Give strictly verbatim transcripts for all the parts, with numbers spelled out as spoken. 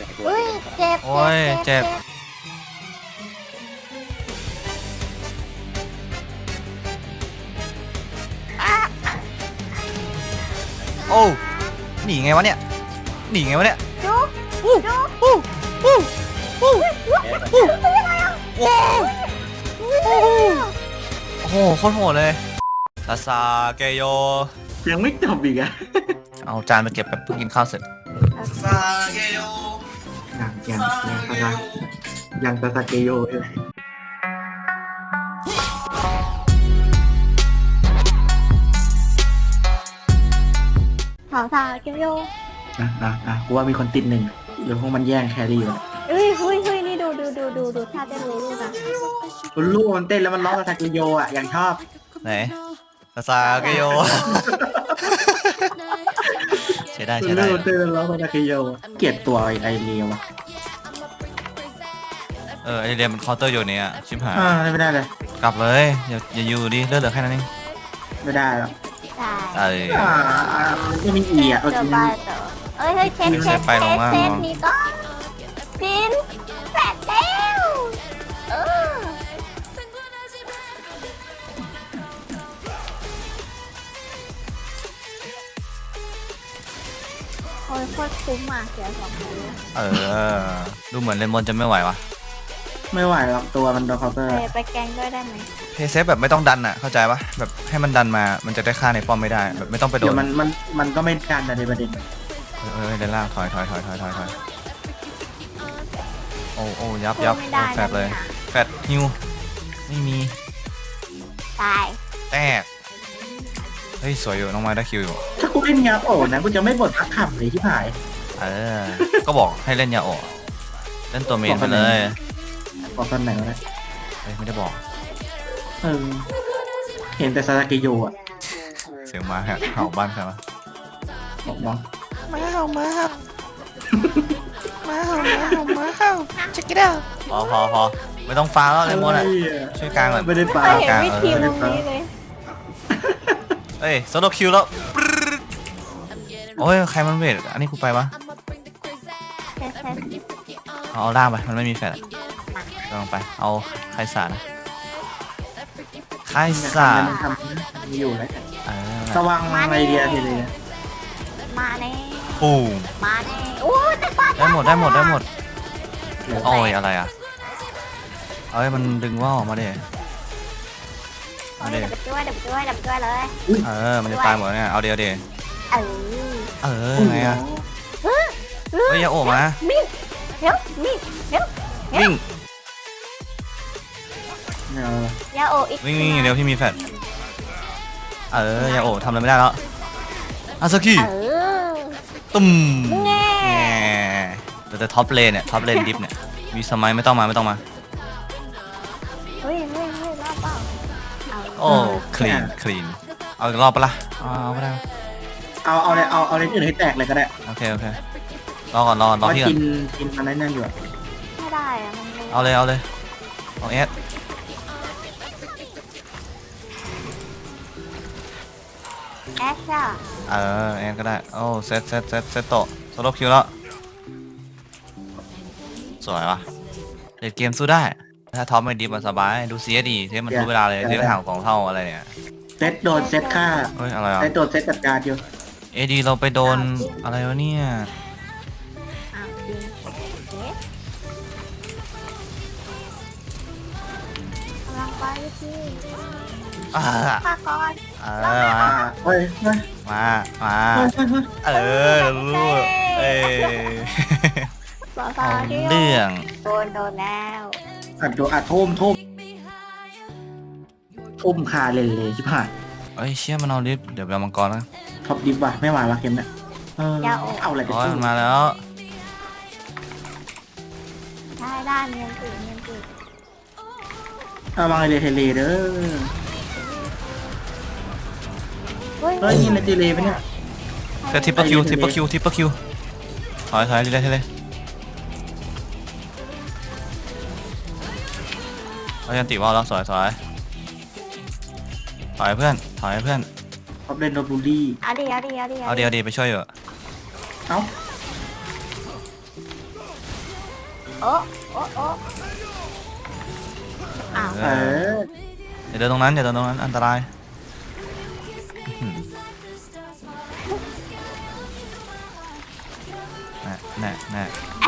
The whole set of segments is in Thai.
อุ้ยเจ็บโอ้ยเจ็บโอ้หนีไงวะเนี่ยหนีไงวะเนี่ยจุ๊บอู้จุ๊บอู้อู้อู้อู้ว้าวโอ้โหโคตรโหดเลยซาซาเกโยยังไม่จบอีกอะเอาจานมาเก็บแบบเพิ่งกินข้าวเสร็จซาเกโยยังยังยังตาตายังตาตาเกโยเลยสาวสาวเกียวโยอ่ะอ่ะอ่ะกูว่ามีคนติดหนึ่งเดี๋ยวพวกมันแย่งแครี่อยู่เฮ้ยเฮ้ยเฮ้ยนี่ดูดูดูดูดูท่าเต้นรู้ลูกอะคุณลูกมันเต้นแล้วมันร้องตาตาเกโยอ่ะยังชอบไหนซาซาเกโยใช้ได้คุใช้ณได้ลูกมันเต้นแล้วร้องตาตาเกโยอะเกลียดตัวไอ้ไอเลียวอะเออไอเรียนมันเคาน์เตอร์อยู่เนี่ยชิบหายอ่าไม่ได้เลยกลับเลยอย่าอย่าอยู่ดิเลือดเหลือแค่นั้นเองไม่ได้หรอกได้เอออ่าไม่มีอีอ่ะเจอไปเจอเอ้ยเฮ้ยเช็ดไม่เช็ดไปลงล่างเช็ดลงนี่ก็พินแปดเต้วเออโอ้ยโคตรคุ้มอ่ะเสียสองคนเออดูเหมือนเลมอนจะไม่ไหววะไม่ไหวหรอกตัวมันโดนเคาน์เตอร์ไปไปแกงด้วยได้ไหมเพย์เซฟแบบไม่ต้องดันอ่ะเข้าใจปะแบบให้มันดันมามันจะได้ฆ่าในป้อมไม่ได้แบบไม่ต้องไปโดเดี๋ยวน มันมันมันก็ไม่การในประเด็นเออเออเดินล่างถอยถอยถอยถอยถอยถอยโอ้โอ้ยับยับไม่ได้แฟดเลยนะแฟดฮิวไม่มีตายแตกเฮ้ยสวยอยู่น้องไม้ได้คิวอยู่ถ้ากูเล่นยาโอ่นะกูจะไม่บ่นสักคำเลยที่ผายเออก็บอกให้เล่นยาโอะเล่นตัวเมนไปเลยบอกตอนไหนวะเนี่ยเฮ้ยไม่ได้บอกเออเห็นแต่ซาตาเกโยอ่ะเสียงหมาแหกเห่าบ้านใครวะบอกน้องมาเห่ามาเห่ามาเห่ามาเห่ามาเห่าcheck it out พอพอพอไม่ต้องฟ้าแล้วเลมอนอ่ะช่วยกลางหน่อยไม่ได้ปลาไม่เห็นวิธีตรงนี้เลยเอ้ยโซโลคิวแล้วปรึ๊ดโอ้ยใครมันเวทอันนี้กูไปปะเช็ดเช็ดเอาเอาล่างไปมันไม่มีแฟลชลองไปเอาไคสานะไคสามันทำมีอยู่แล้วเออระวังไอเดียทีเลยมาแน่ปูมมาแน่โอ้ยแต่ปาได้หมดได้หมดได้หมดเดี๋ยวโอ้ยอะไรอ่ะเอ้ยมันดึงว่าวออกมาดิเอาเดี๋ยวไปช่วยเดี๋ยวไปช่วยเดี๋ยวไปช่วยเลยเออมันจะตายหมดแล้วเนี่ยเอาเดียวเดียวเออเออไงอ่ะเฮ้ยอย่าโอบมามิ่งเดี๋ยวมิ่งเดี๋ยววิ่งเดี๋ยวยาโออีกวิ่งวิ่งอย่างเดียวที่มีแฟลชเอออย่าโอบทำอะไรไม่ได้แล้วอาซากิเออตุ้มแง่แง่แต่แต่ท็อปเลนเนี่ยท็อปเลนดิฟเนี่ยมีสมัยไม่ต้องมาไม่ต้องมาเฮ้ยเฮ้ยเฮ้ยรอบเปล่าเอาโอ้คลีนคลีนเอาอีกรอบปะล่ะเอาเอาก็ได้เอาเอาเลยเอาเอาเลนอื่นให้แตกเลยก็ได้โอเคโอเครอก่อนรอก่อนรอเพราะพี่ก่อกินนกินมันนั่นอยู่ไม่ได้อะมันไม่เอาเลยเอาเลยเอาเอสแอชอ่ะเออเอสก็ได้โอ้เซตเซตเซตเซตโตะโซโลคิวแล้วสวยวะเล่นเกมสู้ได้ถ้าท็อปไม่ดีมันสบายดู ซี เอส ดีเทปมันรู้เวลาเลยเทปห่างสองเท่าอะไรเนี่ยเซตโดนเซตฆ่าเฮ้ยอะไรอ่ะไอตัวเซตจัดการอยู่เอดีเราไปโดนอะไรวะเนี่ยอ้าวจริงเอ๊ะกำลังไปพี่อ่าข้าก่อนเออมาอ่าเฮ้ยเฮ้ยมามาเฮ้ยเฮ้ยเฮ้ยเออรู้เอ้ยสาวเอาๆที่เรื่องโดนโดนแล้วอัดโดอัดทุ่มทุ่มทุ่มคาเลนเลยชิบหายเอ้ยเชี่ยมันเอาลิฟต์เดี๋ยวไปเอามังกรนะท็อปดิฟว่ะไม่ไหวว่ะเกมเนี่ยเออเอาอะไรไปโอ้ยสู้มันมาแล้วได้ได้เนียนตื่นเนียนตื่นเอามาเลยเทเลเด้อเฮ้ยเฮ้ยนี่เลนเทเลไปเนี่ยเซตทิปเปอร์คิวทิปเปอร์คิวทิปเปอร์คิวถอยถอยเรื่อยๆเลยเอายันติว่าวแล้วสวยสวยถอยเพื่อนถอยเพื่อนท็อปเลนโดนบูลลี่เอาดิเอาดิเอาดิเอาเดียวดีไปช่วยอยู่เอ้าโอ้โอ้โอ้อ้าวเอเออออย่าเดินตรงนั้นอย่าเดินตรงนั้นอันตรายแน่แน่แน่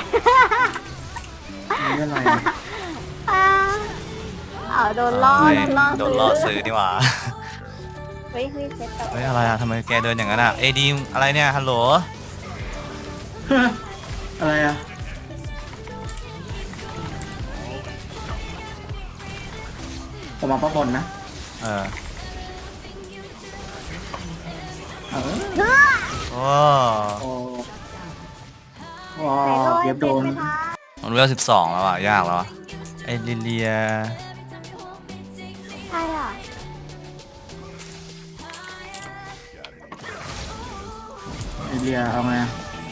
นี่อะไรอ้าวอ้าวโดนล่อเฮ้ยโดนล่อโดนล่อซื้อนี่หว่าเฮ้ยเฮ้ยเซ็ตต่อเฮ้ยอะไรอะทำไมแกเดินอย่างนั้นอะเอดีอะไรเนี่ยฮัลโหลอะไรอ่ะผมมาป้าบนนะเออเออเฮ้ยโอ้โอ้ว้าไหนวโดนเก็บโดนเซ็ตไหมคะมันเวลสิบสองแล้วอะยากแล้วอะไอลิเลียใช่อ่ะไอเดียเอาไง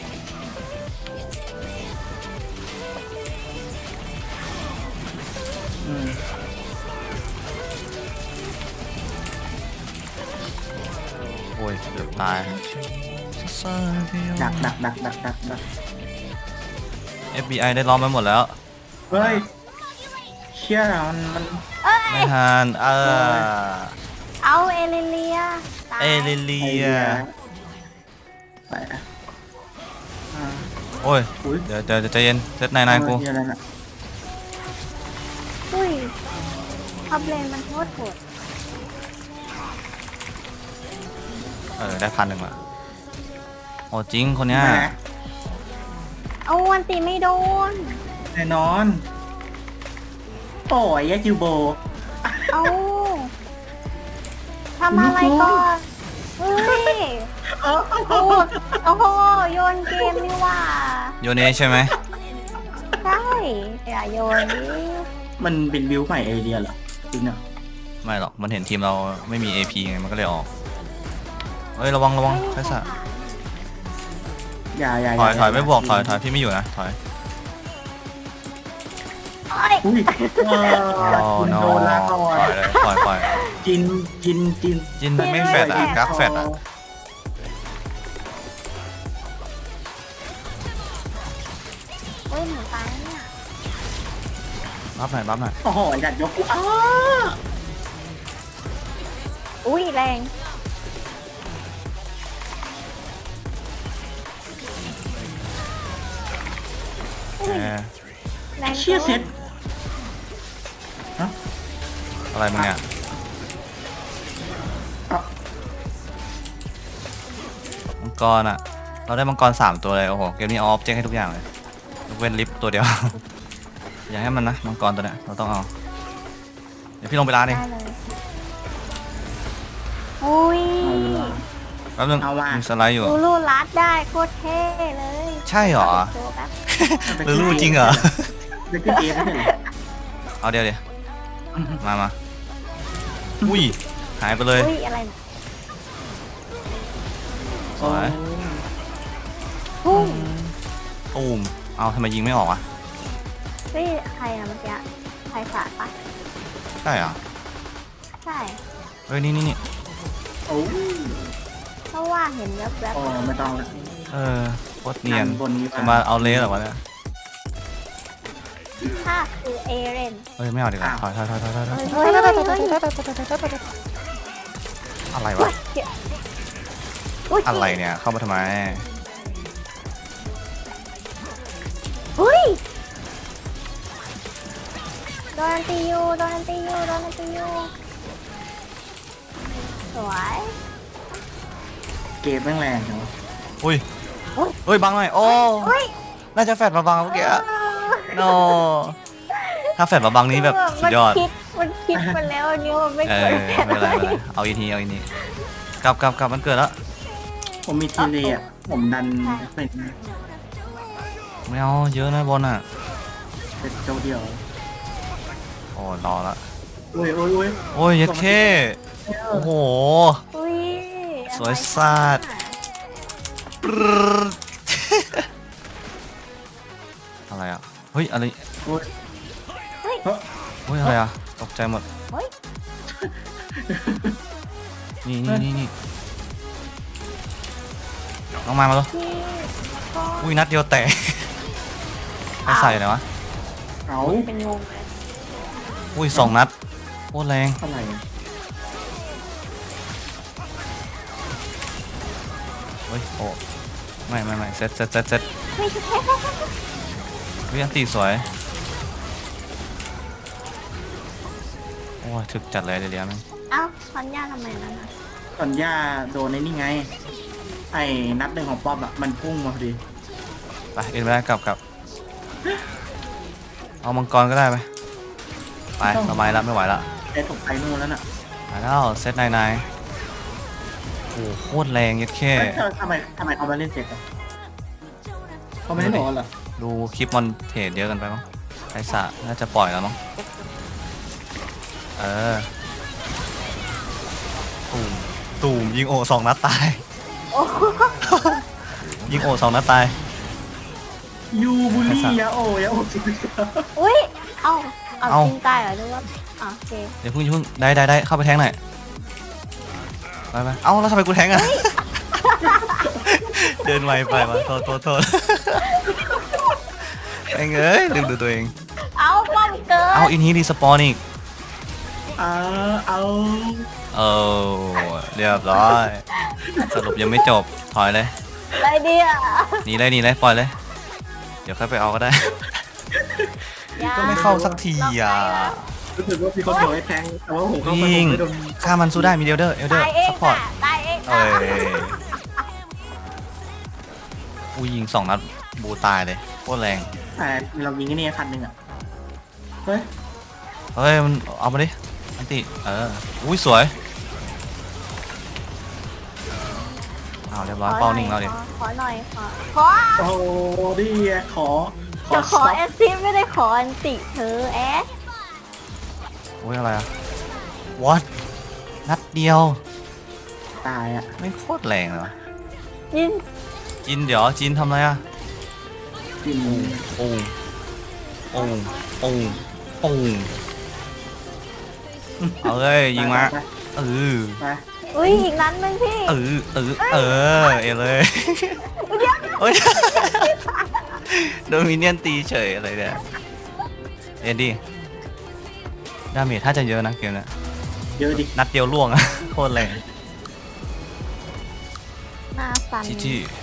อืมโอ้ยเกือบตายดักดักดักดักดักดักเอฟ บี ไอ ได้ล้อมไปหมดแล้วเฮ้ยเชี่ยมันมันเอ้ยไม่ทันเออเอาเอเลเลียตายเอลิเลีไอย เดียไปอ่าโอ้ยอุ้ยเดี๋ยวเดี๋ยวเดี๋ยวใจเย็นเซตนายนายกูเอออะไรน่ะอุ้ยท็อปเลนมันโคตรโหดเออได้พันหนึ่งละโอ้จริงคนเนี้ยแหมเอาวันตีไม่โดนแน่นอนโอ้ยยาจิวโบเอาทำอะไรก่อนเฮ้ยเออโอ้โหโอ้โหโยนเกมนี่หว่าโยเนใช่ไหมใช่อย่าโยนดิมันเป็นบิวใหม่ไอเดียเหรอจริงอ่ะไม่หรอกมันเห็นทีมเราไม่มี เอ พี ไงมันก็เลยออกเฮ้ยระวังระวังใครสะอย่าอย่าถอยถอยไม่บวกถอยถอยพี่ไม่อยู่นะถอยโอ้ยอุ้ยโอ้คุณโนโดนละก่อปล่อน ยเลยปล่อยปล่อยจินจินจินจินไม่แฟดอ่ะกักแฟดอ่ะเฮ้ยหนูตายเนี่ยรับหน่อยรับหน่อยโอ้โหอยากยกกูอ้าอุ้ยแรงแหมแรงเชี่ยเซ็ตอะไรมึงเนี่ยอ่ะมังกรอ่ะเราได้มังกรสามตัวเลยโอ้โหเกมนี้ออฟเจ๊งให้ทุกอย่างเลยยกเว้นลิฟต์ตัวเดียว อย่าให้มันนะมังกรตัวเนี้ยเราต้องเอาเดี๋ยวพี่ลงไปร้านเองได้เลยอุ้ยแป๊บนึงเอาว่ะมีสไลด์อยู่ลูลูรัดได้โคตรเท่เลยใช่เหรอโชว์แป๊บหรือรู้จริงเหรอเด็กขึ้นเอไม่ใช่เหรอเอาเดี๋ยวเดี๋ยวมามาอุ้ยหายไปเลยอุ้ยอะไรสวยพุ่งตูมเอาทำไมยิงไม่ออกอ่ะเฮ้ยใครอะเมื่อกี้ใครสาดปะใช่เหรอใช่เฮ้ยนี่นี่นี่โอ้เพราะว่าเห็นแวบโอ้ไม่ต้องละเออโคตรเนียนบนนี้จะมาเอาเลสเหรอวะเนี่ยๆถ้าคือเอเรนเฮ้ยไม่เอาดีกว่าถอยถอยถอยถอยถอยถอยเฮ้ยเฮ้ยเฮ้ยเฮ้ยอะไรอุ๊วะยเจ็บอุ๊ยอะไรเนี่ยเข้ามาทำไมอุ้ยโดนอันตีอยู่โดนอันตีอยู่โดนอันตีอยู่สวยเกมแม่งแรงจังวะอุ้ยโอ้ยเฮ้ยบังหน่อยโอ้อุ้ยน่าจะแฟดมาบังเมื่อกี้อะโนถ้าแฟดมาบังนี้แบบสุดยอดมันคิดมันคิดมาแล้วอันนี้มันไม่เอเคอย ไม่เป็นไรไม่เป็นไรเอาอีกทีเอาอีกทีกลับกลับกลับมันเกิดแล้วผมมีทีเลอ่ะผมดันเป็นไม่เอาเยอะนะบนอ่ะเป็นเจ้าเดียวโอ้รอละโอ้ยโอ้ยโอ้ยโอ้ยยัดเคโอ้โหอุ้ยสวยสัส ปรึ๊ด อะไรอ่ะเฮ้ยอะไรโอ้ยเฮ้ยเฮ้ยเฮ้ยอะไรอ่ะตกใจหมดเฮ้ยนี่นี่นี่นี่น้องมามาแล้วพี่ก็อุ้ยนัดเดียวแตก ไม่ใส่เลยวะเอาเป็นงงเลยอุ้ยสองนัดโคตรแรงอะไรอะเฮ้ยโอ้ไม่ไม่ไม่เซตเซตเซตเซตไม่ใช่วิอันตีสวยโอ้ยถึกจัดเลยเดี๋ยวๆมั้งเอ้าพันย่าทำไมนั่นน่ะตอนย่าโดนในนี่ไง ไอ้นัดหนึ่งของป๊อปอะมันพุ่งมาพอดีไปเอ็นไปได้กลับกลับเอามังกรก็ได้ไหมไปเราไม้ละไม่ไหวละไอ้ตกไปนู่นแล้วน่ะมาแล้วเซตนายนายโอ้โหโคตรแรงยัดแค่เอ้ยทำไมทำไมเขามาเล่นเสร็จอะเขาไม่ได้บอกเหรอดูคลิปมอนเทรดเยอะกันไปมั้งไอสะน่าจะปล่อยแล้วมั้งเออตูมตูมยิงโอสองนัดตายโอ้โหยิงโอสองนัดตายยูบุลี่ยาโอยาโอจริงอุ้ยเอ้าเอาเอ้าจริงตายเหรอหรือว่าอ๋อโอเคเดี๋ยวเพิ่งอย่าเพิ่งได้ได้ได้เข้าไปแทงหน่อยไปไปเอ้าแล้วทำไมกูแทงอ่ะ เดินไวไปวะโทษโทษโทษไอ้เงยลืมดูตัวเองเอาป้อมเกินเอาอินฮีรีสปอนอีกเอาเอาเออเรียบร้อยสรุปยังไม่จบถอยเลยอะไรเดียหนีเลยหนีเลยปล่อยเลย เดี๋ยวค่อยไปเอาก็ได้อย่าก็ไม่เข้าสักทีอ่ะรู้สึกว่ามีคนบอกให้แทงแต่ว่าผมเข้าไปยิผงมไม่โดนฆ่ามันสู้ได้มีเดลเดอร์เอลเดอร์ตายเองซัพพอร์ตอ่ะตายเองเอ้อ่ะยอุ้ยยิงสองนัดบูตายเลยโคตรแรงแต่เรายิงไอ้นี่พันหนึ่งอะเฮ้ยเฮ้ยมันเอามาดิอันติเอออุ้ยสวยเอาเรียบร้อยเป้านิ่งแล้วดิขอขอหน่อยขอขอโอ้โหดีอะขอขอจะขอ stop แอสซิสไม่ได้ขออันติเธอแอสอุ้ยอะไรอะ what นัดเดียวตายอะไม่โคตรแรงเลยวะยินจินเดี๋ยวจินทำอะไรอะกินโอ้โอ้โอ้โอ้เอาเลยยิงมาไปเออไปอุ้ยอีกนั้นนึงพี่เออเออเออเอเลยโอ้ยโดนมินเนี่ยนตีเฉยอะไรเนี่ยเอ็นดี้ดาเมจถ้าจะเยอะนะเกมเนี้ยเยอะดินัดเดียวล่วงอะ โคตรแรงหน้าสันจีจี